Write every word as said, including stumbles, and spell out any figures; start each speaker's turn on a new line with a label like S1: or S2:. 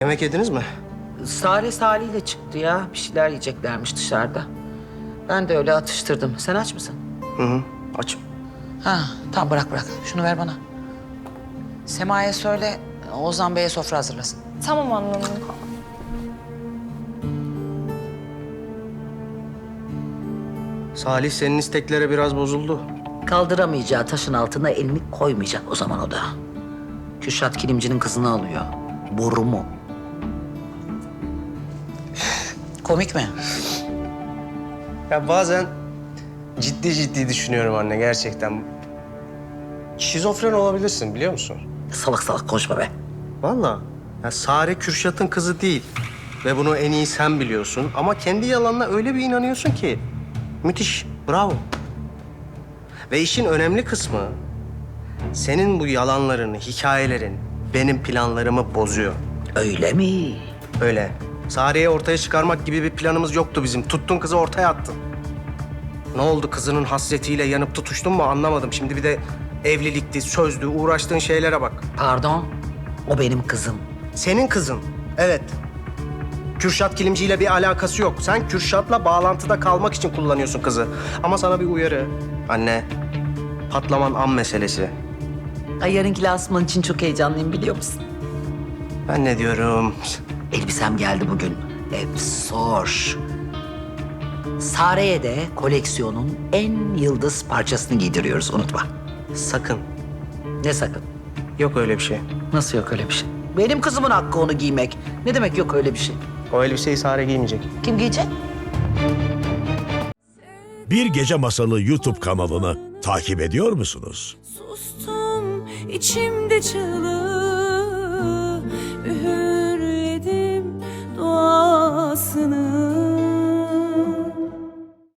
S1: Yemek yediniz mi?
S2: Sare Salih ile çıktı ya. Bir şeyler yiyeceklermiş dışarıda. Ben de öyle atıştırdım. Sen aç mısın?
S1: Hı hı. Açım.
S2: Ha, tamam bırak bırak. Şunu ver bana. Sema'ya söyle, Ozan Bey'e sofra hazırlasın.
S3: Tamam anladım.
S1: Salih senin isteklere biraz bozuldu.
S2: Kaldıramayacağı taşın altına elini koymayacak o zaman o da. Kürşat Kilimci'nin kızını alıyor. Boru mu? Komik mi?
S1: Ya bazen ciddi ciddi düşünüyorum anne gerçekten. Şizofren olabilirsin biliyor musun?
S2: Salak salak konuşma be.
S1: Vallahi. Ya Sare Kürşat'ın kızı değil. Ve bunu en iyi sen biliyorsun. Ama kendi yalanına öyle bir inanıyorsun ki. Müthiş. Bravo. Ve işin önemli kısmı senin bu yalanların, hikayelerin benim planlarımı bozuyor.
S2: Öyle mi?
S1: Öyle. Sare'yi ortaya çıkarmak gibi bir planımız yoktu bizim. Tuttun kızı ortaya attın. Ne oldu kızının hasretiyle yanıp tutuştun mu anlamadım. Şimdi bir de evlilikti, sözdü, uğraştığın şeylere bak.
S2: Pardon, o benim kızım.
S1: Senin kızın, evet. Kürşat Kilimci ile bir alakası yok. Sen Kürşat'la bağlantıda kalmak için kullanıyorsun kızı. Ama sana bir uyarı. Anne, patlaman an meselesi.
S2: Ay yarınki lansman için çok heyecanlıyım biliyor musun?
S1: Ben ne diyorum?
S2: Elbisem geldi bugün. Efsor. Sare'ye de koleksiyonun en yıldız parçasını giydiriyoruz unutma.
S1: Sakın.
S2: Ne sakın?
S1: Yok öyle bir şey.
S2: Nasıl yok öyle bir şey? Benim kızımın hakkı onu giymek. Ne demek yok öyle bir şey?
S1: O elbiseyi Sare giymeyecek.
S2: Kim giyecek?
S4: Bir Gece Masalı YouTube kanalını takip ediyor musunuz?
S5: Sustum içimde çığlık.